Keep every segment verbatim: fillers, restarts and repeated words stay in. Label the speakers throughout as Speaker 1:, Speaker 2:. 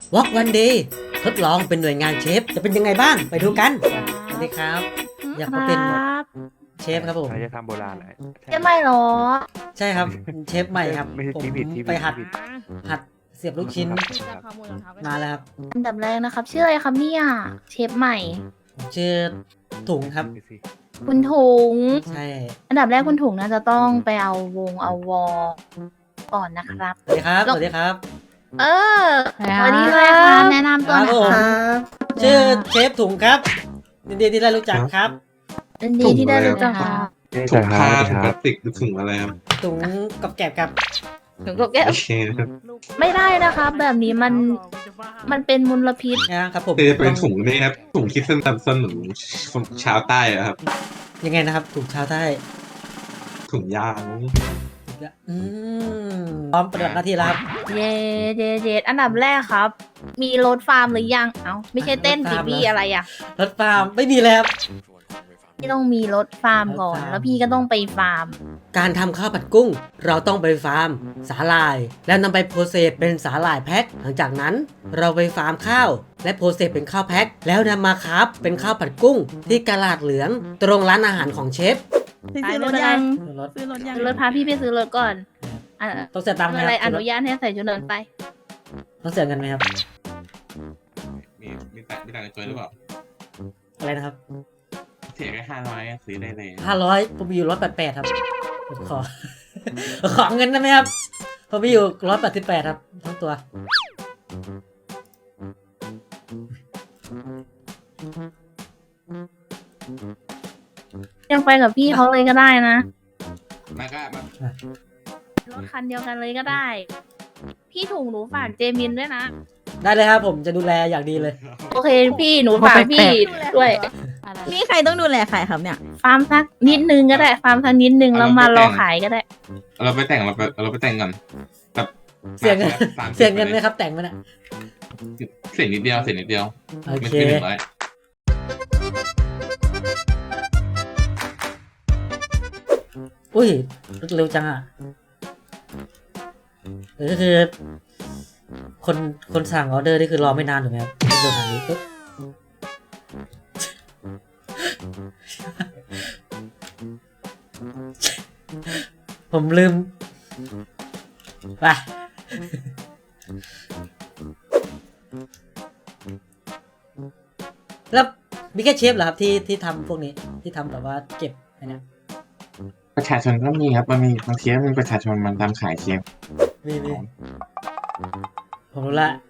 Speaker 1: วอล์กวันเดย์ทดลองเป็นหน่วยงานเชฟจะเป็นยังไงบ้างไปดูกันสวัสดีครับ อยากมาเป็น
Speaker 2: ครับ
Speaker 1: เชฟครับผม
Speaker 3: เราจะทำโบราณแหละ
Speaker 2: จะไม่หรอ
Speaker 1: ใช่ครับเชฟใหม่ครับ
Speaker 3: ไม่ใช่
Speaker 1: ผม
Speaker 3: ที่ผิดที่ผิด
Speaker 1: ไปหัด
Speaker 3: ที่ผิด
Speaker 1: หัดเสียบลูกชิ้นมาแล้วครับ
Speaker 2: อันดับแรกนะครับ ชื่ออะไรครับเนี่ยเชฟใหม่
Speaker 1: ผมชื่อถุงครับ
Speaker 3: ไปสิ
Speaker 2: คุณถุง
Speaker 1: ใช่
Speaker 2: อันดับแรกคุณถุงน่าจะต้องไปเอาวงเอาวอก่อนนะครับ
Speaker 1: สวัสดีครับสวัสดีครับ
Speaker 2: เออสวัสดีเลยครับแนะนำตัวหน่อย
Speaker 1: ครับผม
Speaker 2: ครับ
Speaker 1: ชื่อเชฟถุงครับยินดีที่ได้รู้จักครับ
Speaker 2: ยินดีที่ได้รู้จักครับ
Speaker 3: ถุงผ้า
Speaker 4: ถุงพลาสติกหรือถุงอะไรครับ
Speaker 1: ถุงกับแกบครับ
Speaker 2: ถุงกับแก้ว
Speaker 4: โอเคนะครับ
Speaker 2: ไม่ได้นะครับ แบบนี้มันมันเป็นมลพิษ
Speaker 1: นะครับผม
Speaker 4: คือเป็นถุงนี่ครับถุงคิดสั้นตันส้นเหมือนชาวใต้อะครับ
Speaker 1: ยังไงนะครับถุงชาวใต้
Speaker 4: ถุงยาง
Speaker 1: อืมพร้อมปฏิบัติหน้าที่แล้วครับ
Speaker 2: เยเยเยอันดับแรกครับ มีรถฟาร์มหรือยัง เอ้าไม่ใช่เต้นสิพี่อะไรอ่ะ
Speaker 1: รถฟาร์มไม่มีแล้วครับ
Speaker 2: พี่ต้องมีรถฟาร์มก่อน
Speaker 1: รถฟาร์ม
Speaker 2: แล้วพี่ก็ต้องไปฟาร์ม
Speaker 1: การทำข้าวผัดกุ้ง เราต้องไปฟาร์มสาหร่าย แล้วนำไปโปรเซสเป็นสาหร่ายแพ็คหลังจากนั้นเราไปฟาร์มข้าว และโปรเซสเป็นข้าวแพ็คแล้วนำมาครับเป็นข้าวผัดกุ้ง ที่กะลาดเหลืองตรงร้านอาหารของเชฟ
Speaker 5: พี่ซื้อรถยัง
Speaker 1: รถ
Speaker 5: ซื้อรถยัง
Speaker 2: ซื้อรถพาพี่ไปซื้อรถก่อนอ่ะ
Speaker 1: ต้องเสียตังค์ไหม
Speaker 2: อะไร
Speaker 1: ค
Speaker 2: อ
Speaker 1: รับ
Speaker 2: นุญาตให้ใส่ชุดนอนไป
Speaker 1: ต้องเสียเงินไหมครับ
Speaker 4: มีมีแต่มีแต่งตัวหรือเปล่า
Speaker 1: อะไรนะครับ
Speaker 4: เสียแค่ห้าร้อยซื้อได้เลย
Speaker 1: ห้าร้อยผมมีอยู่ร้อยแปดแปดครับผมขอ ขอเงินได้ไหมครับผมมีอยู่ร้อยแปดสิบแปดครับทั้งตัว
Speaker 2: ยังไปกับพี่เขาเลยก็ได้นะ
Speaker 4: มาก็มาร
Speaker 2: ถคันเดียวกันเลยก็ได้ พี่ถุงหนูฝากเจมินด้วยนะ
Speaker 1: ได้เลยครับผมจะดูแลอย่างดีเลย
Speaker 2: โอเคพี่หนูฝากพี่ด้วย
Speaker 5: นี่ใครต้องดูแลใครครับเนี่ย
Speaker 2: ฟาร์มสักนิดนึงก็ได้ ฟาร์มสักนิดนึงแล้วมารอขายก็ได้
Speaker 4: เราไปแต่งเราไปเราไปแต่งก่อนแบบ
Speaker 1: เสียเงิน
Speaker 4: สามสิบ
Speaker 1: เสียเงินไหมครับแต่งมันอ่ะ
Speaker 4: เสียนิดเดียวเสียนิดเดียว
Speaker 1: โอ
Speaker 4: ไม่
Speaker 1: เค
Speaker 4: ถึงหนึ่งร้อย
Speaker 1: อุ้ยรถเร็วจังอ่ะเออก็คือ คนคนสั่งออเดอร์นี่คือรอไม่นานถูกไหมครับเดินทางนี้ปุ๊บผมลืมไปแล้วมีแค่เชฟเหรอครับที่ที่ทำพวกนี้ที่ทำแบบว่าเก็บอันเนี้ย
Speaker 4: ประชาชนก็มีครับมันมีบางทีก็มีประชาชนมันทำขายเชียง
Speaker 1: มีมีผมรู้ละ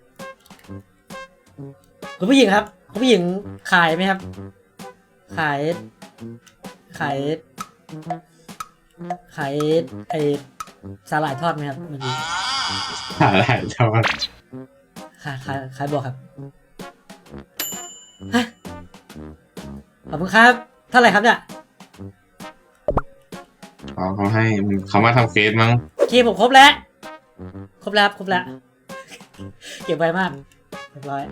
Speaker 1: คุณผู้หญิงครับคุณผู้หญิงขายไหมครับ ขาย ขาย ขายไอสาหร่ายทอดไหมครับเมื่อกี้
Speaker 4: หาอะไรชาวบ้าน
Speaker 1: ขายขายขายบอกครับฮะขอบคุณครับเท่าไหร่ครับเนี่ย
Speaker 4: อ๋อเขาให้เขามาทำเฟซมั้ง
Speaker 1: โอเคผมครบแล้ว ครบแล้วครับครบแล้ว เก็บไว้มากเรียบร้อย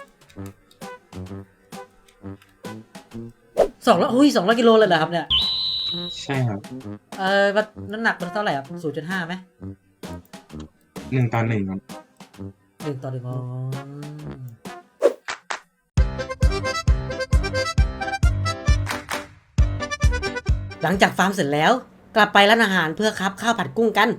Speaker 1: สองร้อยอุ้ยสองร้อยกิโลเลยเหรอครับเนี่ย
Speaker 4: ใช่ครับ
Speaker 1: เออวัดน้ำหนักมันเท่าไหร่ครับศูนย์จุดห้าไหม
Speaker 4: หนึ่งต่อหนึ่งครับ
Speaker 1: หนึ่งต่อหนึ่งอ๋อหลังจากฟาร์มเสร็จแล้ว กลับไปร้านอาหารเพื่อคับข้าวผัดกุ้งกัน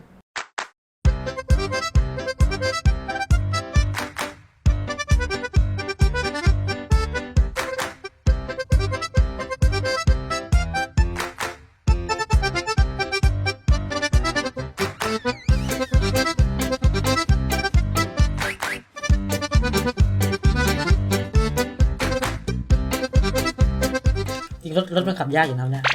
Speaker 1: จริงรถรถมันขับยากอยู่นะเนี่ย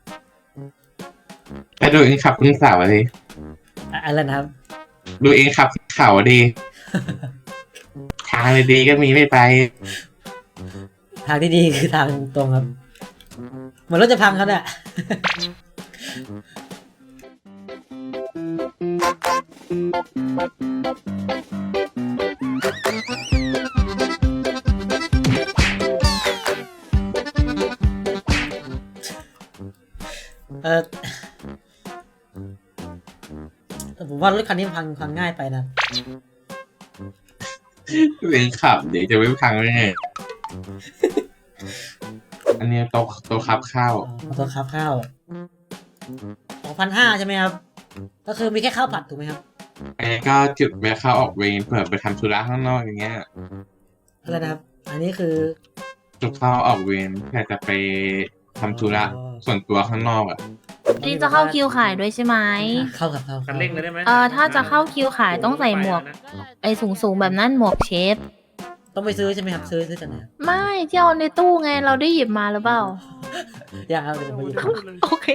Speaker 4: ไปดูเองขับขึ้นเขาอะดิ
Speaker 1: อะอะไรนะครับ
Speaker 4: ดูเองขับขึ้นเขาอะดิทางดีๆก็มีไม่ไป
Speaker 1: ทางที่ดีคือทางตรงครับ เหมือนรถจะพังครับเนี่ย เออแต่ผมว่ารถคันนี้พังพังง่ายไปนะ
Speaker 4: เป็นขับเดี๋ยวจะไม่พังได้ไงอันนี้โต๊ะโต๊ะคับข้าว
Speaker 1: ขอโทษครับข้าวสองพันห้าใช่ไหมครับ ก็คือมีแค่ข้าวผัดถูกไหมครับ
Speaker 4: อันนี้ก็จุดแวะเข้าออกเวรเผื่อไปทำธุระข้างนอกอย่างเงี้ย
Speaker 1: อะไรนะครับ อันนี้คือ
Speaker 4: จุดเข้าออกเวรเพื่อจะไปทำธุระส่วนตัวข้างนอกอ่ะ
Speaker 2: นี่จะเข้าคิวขายด้วยใช่ไหม
Speaker 1: เข้ากับเข้า
Speaker 3: คันเร่งเลยได้ไหม
Speaker 2: เออถ้าจะเข้าคิวขายต้องใส่หมวก ไอ้สูงสูงๆแบบนั้นหมวกเชฟ
Speaker 1: ต้องไปซื้อใช่ไหมครับ ซื้อซื้อจากไหนครับ
Speaker 2: ไม่ที่เอาในตู้ไงเราได้หยิบมาหรือเปล่า
Speaker 1: อยากเอาเดี๋ยวผมไปหยิบ
Speaker 2: โอเค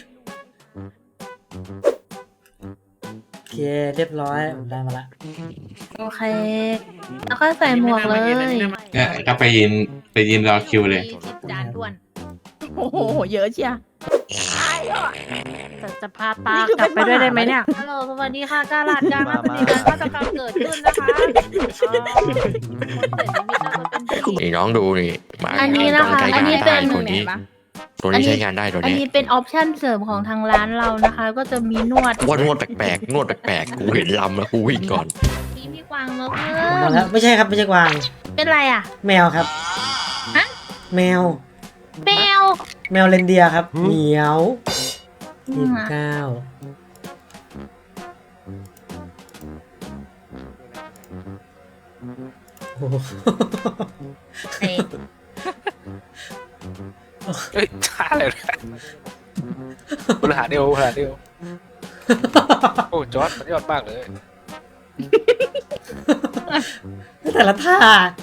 Speaker 1: โอเคเรียบร้อยผมได้มาละ
Speaker 2: โอเค แล้วก็ใส่หมวกเลย
Speaker 4: เนี่ยก็ไปยืนไปยืนรอคิวเลย
Speaker 2: จานด่วน
Speaker 5: โอ้โห เยอะเชีย
Speaker 2: จะจะพาปากลับไปด้วยได้ไหมเนี่ย ฮัลโหลสวัสดีค่ะกาลาดการมาปฏิการฆาตกรรมเกิดขึ้นนะคะคนเสียชีวิตน่าจะเป็นผู้หญิง
Speaker 6: นี่น้องดูนี่มา
Speaker 2: อันนี้นะคะ
Speaker 6: ต้องใช้
Speaker 2: อัน
Speaker 6: งาน
Speaker 2: นี้เป็
Speaker 6: ได้
Speaker 2: น
Speaker 6: ตัวนี้ ตัวนี้ใช้งานได้ตัว
Speaker 2: อัน
Speaker 6: นี้
Speaker 2: นี้เป็นออปชั่นเสริมของทางร้านเรานะคะ ก็จะมีนวด
Speaker 6: ว่านวดแปลกๆนวดแปลกๆกูเห็นลำแล้วกูวิ่งก่อน
Speaker 2: มีพี่กวางแล้ว
Speaker 1: ผมมา
Speaker 2: เพิ่
Speaker 1: แล้ว
Speaker 2: ม
Speaker 1: ไม่ใช่ครับไม่ใช่กวาง
Speaker 2: เป็นไรอ่ะ
Speaker 1: แมวครับ
Speaker 2: ฮะ
Speaker 1: แมว
Speaker 2: แมว
Speaker 1: แมวเรนเดียร์ครับเหมียว
Speaker 2: อื
Speaker 1: ยี่
Speaker 2: ม
Speaker 1: สิบเก้าโอ้โห
Speaker 2: เอ๊ะ
Speaker 3: เฮ้ยช้าเลยนะบริหารเดียวบริหารเดียวโอ้จอร์ดมันยอดมากเลย
Speaker 1: แต่ละท่า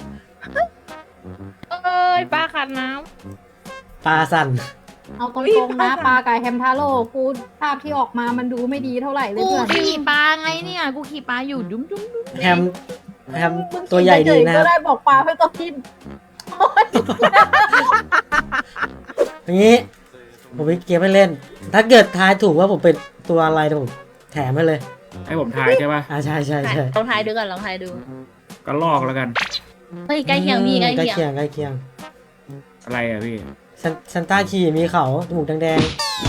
Speaker 2: เอ้ยป้าขัดน้
Speaker 1: ปลาสั่น
Speaker 7: เอาตรงๆนะปลาไก่แฮมทาโร่กูภาพที่ออกมามันดูไม่ดีเท่าไหร่
Speaker 2: ำ
Speaker 7: เลย
Speaker 2: กู
Speaker 7: เพื่อน
Speaker 2: ขี่ปลาไงเนี่ย กูขี่ปลาอยู่ดุ้มดุ้มดุ้ม
Speaker 1: แฮมแฮมตัวใหญ่ดีนะค
Speaker 7: ก็
Speaker 1: รับ
Speaker 7: ได้บอกปลาให้ตัวทิม
Speaker 1: อย่างนี้ ผมมีเกมให้เล่น ถ้าเกิดทายถูกว่าผมเป็นตัวอะไรเดี๋ยวผมแถมให้เลย
Speaker 8: ให้ผมทายใช่ป่ะ
Speaker 1: อ่าใช่ใช่ใช่
Speaker 2: ลองทายดูก่อนลองทายดู
Speaker 8: ก็ลอกแล้วกัน
Speaker 2: เฮ้ยใกล้เคียงพี่ใกล้
Speaker 1: ใกล้
Speaker 2: เคียง
Speaker 1: เคียงใกล้เคียง
Speaker 8: อะไรอ่ะพี่
Speaker 1: ซันซันต้าขี่มีเขาจมูกแดง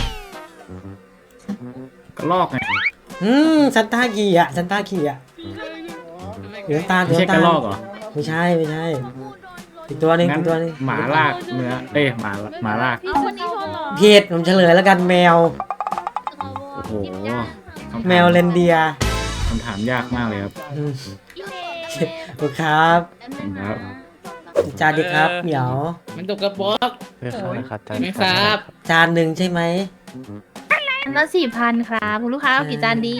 Speaker 8: ก็ลอกไง
Speaker 1: ๆอืมซันต้าขี่อ่ะซันต้าขี่อ่ะเหลืองตาลเห
Speaker 8: ไม่
Speaker 1: ลือ
Speaker 8: ใช่
Speaker 1: ง
Speaker 8: ก
Speaker 1: ตา
Speaker 8: ระ
Speaker 1: ล
Speaker 8: ลอกเหรอ
Speaker 1: ไม่ใช่ไม่ใช่ อีกตัวหนึง
Speaker 8: งั้
Speaker 1: อี
Speaker 8: น
Speaker 1: กตัวหนึง
Speaker 8: หมาลากเนื้อ เอ้ยหมาหมาลาก
Speaker 2: พี่คนนี้โทรหรอ
Speaker 1: เพจผมเฉลยแล้วกันแมว
Speaker 8: โอ้โหคำถา
Speaker 1: แมวเรนเดียร์
Speaker 8: คำถามยากมากเลยครับ
Speaker 1: อืมขอบคุณครับ
Speaker 8: ครับ
Speaker 1: จานดีครับเหมียว
Speaker 9: มันตกกระป๋อง
Speaker 6: ไม่ครับ
Speaker 9: ไม่ครับ
Speaker 1: จานหนึ่งใช่ไหม
Speaker 2: อันละสี่พันครับคุณลูกค้าเอากี่จานดี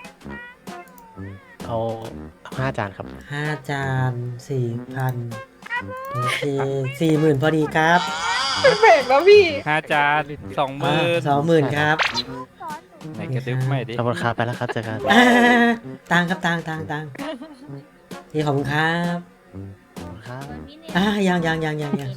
Speaker 6: เอาห้าจานครับ
Speaker 1: ห้าจานสี่พันโอเคสี่หมื่นพอดีครับ
Speaker 9: แบ่งแล้วพี่
Speaker 3: ห้าจานสองหมื่น
Speaker 1: สองหมื่นครับ
Speaker 3: ไหนกระดึ๊บไม่ดิ
Speaker 6: ขอบคุณครับไปแล้วครับเจอกัน
Speaker 1: อ่าตังครับตังตังตังนี่ขอบคุณครับ
Speaker 6: ครับ
Speaker 1: อ่ายังยังยังยังยัง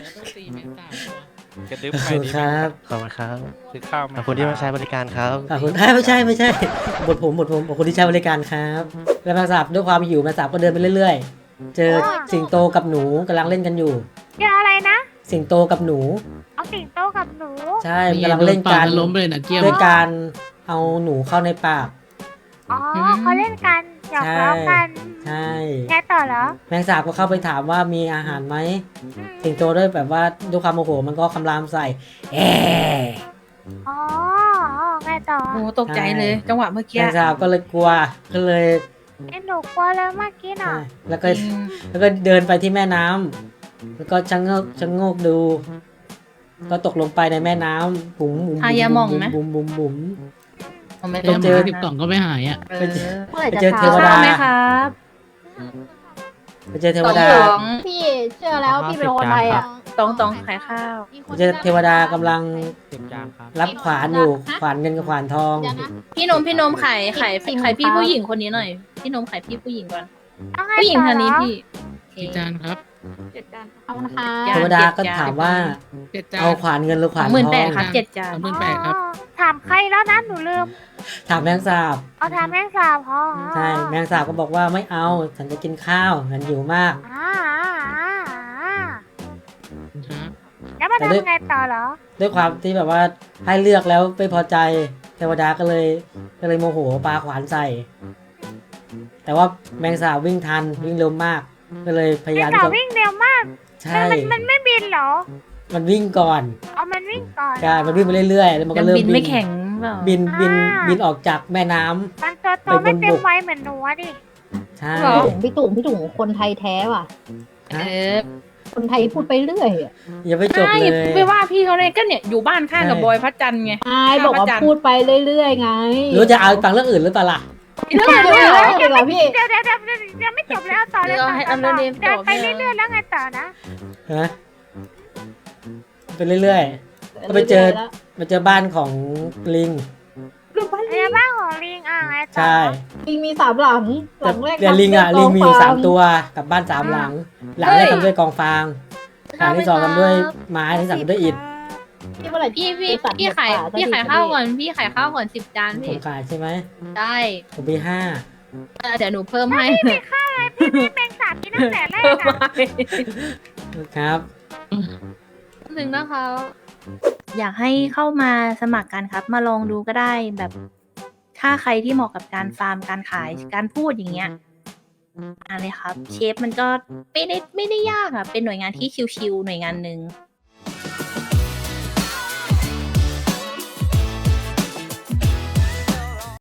Speaker 3: กระดึ๊บ
Speaker 1: ขอบ
Speaker 3: ไม่
Speaker 1: คุณ
Speaker 3: ดิ
Speaker 1: ครับ
Speaker 6: ขอบคุณครับ
Speaker 3: ซื้อข้าวไหม
Speaker 6: ขอบคุณที่มาใช้บริการครับ
Speaker 1: ขอบคุณอ่าไม่ใช่ไม่ใช่บทผมบทผมขอบคุณที่ใช้บริการครับแล้วแมงสาบด้วยความหิวแมงสาบก็เดินไปเรื่อยๆ เจอสิงโตกับหนูกำลังเล่นกันอยู่
Speaker 10: เจออะไรนะ
Speaker 1: สิงโตกับหนู
Speaker 10: เอาสิงโตกับหนู
Speaker 1: ใช่กำลังเล่นกัน
Speaker 9: ล้มเลยนะเกี้ยว
Speaker 1: ด้วยการเอาหนูเข้าในปาก
Speaker 10: อ๋อเขาเล่นกันหยอกล้อกัน
Speaker 1: ใช่
Speaker 10: ไงต่อเหรอ
Speaker 1: แมงสาบก็เข้าไปถามว่ามีอาหารไหมสิงโตด้วยแบบว่าด้วยความโมโหมันก็คำรามใส่แอะ
Speaker 10: อ๋อไงต่อ
Speaker 2: โอ้ตกใจเลยจังหวะเมื่อ
Speaker 1: แม
Speaker 2: กี้
Speaker 1: งสาบก็เลยกลัวก็เลย
Speaker 10: ไอ้หนูกลัวเลยเมื่อกี้น่ะ
Speaker 1: ใช่แล้วก็แล้วก็เดินไปที่แม่น้ำแล้วก็ชะโงกชะโงกดู ก็ตกลงไปในแม่น้ำบุ๋มบุ๋ม
Speaker 2: อายามองไหม
Speaker 1: บุ๋มบุ๋มบุ๋ม
Speaker 2: ผมไม่
Speaker 1: ไป
Speaker 2: ต้อง
Speaker 1: เจอ
Speaker 9: สิบกล่องก็ไม่หายอ่ะ
Speaker 2: เออ
Speaker 7: เมื่อไหร่
Speaker 1: ไป
Speaker 7: จะ
Speaker 1: เจอเทว
Speaker 2: ข้า
Speaker 1: ดา
Speaker 2: วไหมครับ
Speaker 1: ไปเจอเทวดา
Speaker 2: สอง
Speaker 7: พี่เชื่อแล้วพี่เป็นคนไทยอ่ะ
Speaker 2: ตองตองขายข้าว
Speaker 1: ไปเจอเทวดากำลังรับขวานอยู่ขวานเงินกับขวานทอง
Speaker 7: เดี๋ยวนะ
Speaker 2: พี่นมพี่นมขายขาย
Speaker 7: สิบ
Speaker 2: ขายพี่
Speaker 7: ครับ
Speaker 2: ผู้หญิงคนนี้หน่อย พี่นมขายพี่ผู้หญิงก่อน
Speaker 10: เอาไง
Speaker 2: ผู้หญิง
Speaker 10: ต่อ
Speaker 2: ทาง
Speaker 10: เหร
Speaker 2: นี้
Speaker 10: อ
Speaker 2: พี่
Speaker 9: กี่จานครับ
Speaker 2: เจ็ดจาน
Speaker 7: เอานะคะ
Speaker 2: จ้ะ
Speaker 1: เทวดาก็ถามว่า
Speaker 9: เจ็ดจาน
Speaker 1: เอาขวานเงินหรือข
Speaker 2: ส
Speaker 1: วา
Speaker 2: อน งหมื่น
Speaker 1: ท
Speaker 2: แป
Speaker 1: อ
Speaker 2: ด
Speaker 1: ง
Speaker 2: ครับเจ็ดจาน
Speaker 9: สองหมื่นแปดครับ
Speaker 10: อ๋อถามใครแล้วนะหนูลืม
Speaker 1: ถามแมงสาบ
Speaker 10: เอาถามแม่งสาวพอ
Speaker 1: ใช่แมงสาบก็บอกว่าไม่เอาฉันจะกินข้าวฉันหิวมาก
Speaker 10: อ่าอ่าอ่า
Speaker 9: ครับ
Speaker 10: แล้วมา
Speaker 1: แต่ด้วย
Speaker 10: ทำไงต่อเหรอ
Speaker 1: ด้วยความที่แบบว่าให้เลือกแล้วไม่พอใจเทวดาก็เลยก็เลยโมโหปาขวานใส่แต่ว่าแมงสาบวิ่งทันวิ่งเร็วมาก ก็เลยพยายาม
Speaker 10: แต่
Speaker 1: ที่จะ
Speaker 10: วิ่งเร็วมาก
Speaker 1: ใช่
Speaker 10: มันมันไม่บินเหรอ
Speaker 1: มันวิ่งก่อน
Speaker 10: เอามันวิ่งก่อน
Speaker 1: ใช่มันวิ่งไปเรื่อยๆแล้วมัน
Speaker 2: ยั
Speaker 1: ก็
Speaker 2: ง
Speaker 1: เริ่ม
Speaker 2: บินไม่แข็งเปล่า
Speaker 1: บินบิน
Speaker 10: อ่า
Speaker 1: บินออกจากแม่น้ำ
Speaker 10: มันตัวโต
Speaker 1: ไปบน
Speaker 10: ไม่เต็ม
Speaker 1: บก
Speaker 10: วัยเหมือนหนูอะดิ
Speaker 1: ใช่
Speaker 2: เหรอ
Speaker 7: พี่ตุ่มพี่ตุ่มคนไทยแท้ว่ะ
Speaker 2: เออ
Speaker 7: คนไทยพูดไปเรื่อยอะ
Speaker 1: อย่าไปจบ
Speaker 5: ใช่
Speaker 1: เลย
Speaker 5: ไปว่าพี่เขาเลยก็เนี่ยอยู่บ้านข้างกับ
Speaker 1: ใช่
Speaker 5: บอยพระจันทร์ไง
Speaker 7: ไอ้บอกว่าพูดไปเรื่อยๆไง
Speaker 1: หรือจะเอาฟังเรื่องอื่นหรือเปล่าล่ะ
Speaker 7: เรื่องอะไรเหรอเดี๋ยวเหรอพี่
Speaker 10: เดี๋ยวเดี๋ยวเดี๋ยวเดี๋ยวเดี๋ยวไม่จบแล้วต่อเลย
Speaker 2: เดี๋ยว
Speaker 10: ต่อ
Speaker 2: ให้
Speaker 10: ต่อ
Speaker 2: อันนั้นเอง
Speaker 10: เดินไป
Speaker 2: จบ
Speaker 10: เรื่อยๆแล้วไงต่อนะ
Speaker 1: ฮะไปเรื่อยๆก็ไปเจอมาเจอบ้านของลิง
Speaker 10: เรือบ้านของลิงอ่ะไงต่อ
Speaker 1: ใช่
Speaker 7: ลิงมีสามหลัง ห
Speaker 1: แต่
Speaker 7: ลังแรก
Speaker 1: เดี๋ยวลิงอ่ะ
Speaker 7: ทำ
Speaker 1: ลิ
Speaker 7: ด้วย
Speaker 1: งมีอยู่
Speaker 7: ก
Speaker 1: สาม
Speaker 7: ฟ
Speaker 1: ตัวกับบ้านสามหลัง หลังแรกทำด้วยกองฟางหลังที่สองทำด้วยไม้ที่สามทำด้วยอิฐ
Speaker 7: พี่เมื่อไหร่
Speaker 2: พี่พี่
Speaker 7: จะตัด
Speaker 2: พี่ขาย
Speaker 7: หมดป่
Speaker 2: พี่
Speaker 7: สั
Speaker 2: ขาย
Speaker 7: ที
Speaker 2: ข้าวก่อนพี่ขายข้าวก่อนสิบจาน
Speaker 1: ผ
Speaker 2: พี่
Speaker 1: มขายใช่ไหม
Speaker 2: ได้
Speaker 1: ผมมีห้า
Speaker 2: เออเดี๋ยวหนูเพิ่มให้
Speaker 10: ไม่ฆ่าเลยพี่พี่เป็นสามกินตั้งแต่แรกอะ
Speaker 1: ครับ
Speaker 2: ถึงนะคะ
Speaker 5: อยากให้เข้ามาสมัครกันครับ มาลองดูก็ได้แบบ ถ้าใครที่เหมาะกับการฟาร์มการขายการพูดอย่างเงี้ยมาเลยครับ เชฟมันก็ไม่ได้ไม่ได้ยากอะเป็นหน่วยงานที่ชิวๆหน่วยงานหนึ่ง